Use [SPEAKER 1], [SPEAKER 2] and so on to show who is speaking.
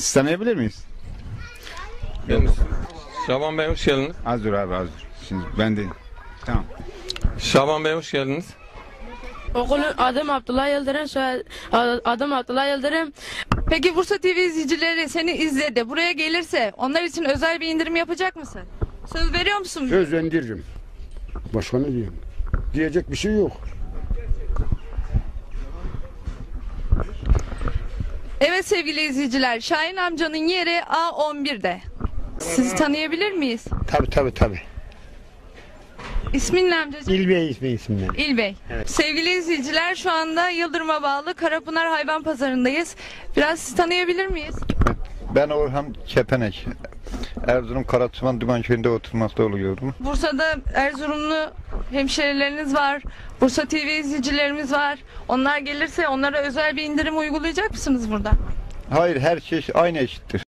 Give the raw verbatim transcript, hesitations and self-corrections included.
[SPEAKER 1] Siz tanıyabilir miyiz?
[SPEAKER 2] Şaban Bey hoş geldiniz.
[SPEAKER 1] Az dur abi az dur. Şimdi ben de tamam.
[SPEAKER 2] Şaban Bey hoş geldiniz.
[SPEAKER 3] Okulun adım Abdullah Yıldırım, soyad- adım Abdullah Yıldırım.
[SPEAKER 4] Peki Bursa T V izleyicileri seni izledi. Buraya gelirse onlar için özel bir indirim yapacak mısın? Söz veriyor musun?
[SPEAKER 5] Söz indiririm. Başka ne diyeyim? Diyecek bir şey yok.
[SPEAKER 4] Evet sevgili izleyiciler, Şahin amcanın yeri A on bir'de. Sizi tanıyabilir miyiz?
[SPEAKER 6] Tabii tabii tabii.
[SPEAKER 4] İsmin ne amcacığım?
[SPEAKER 6] İlbey ismi isimler.
[SPEAKER 4] İlbey. Sevgili izleyiciler, şu anda Yıldırım'a bağlı Karapınar Hayvan Pazarı'ndayız. Biraz sizi tanıyabilir miyiz?
[SPEAKER 7] Ben Orhan Kepenek. Erzurum Karaçıman Dümenköy'ünde oturmakta oluyorum.
[SPEAKER 4] Bursa'da Erzurumlu hemşerileriniz var. Bursa T V izleyicilerimiz var. Onlar gelirse onlara özel bir indirim uygulayacak mısınız burada?
[SPEAKER 7] Hayır, her şey aynı eşittir.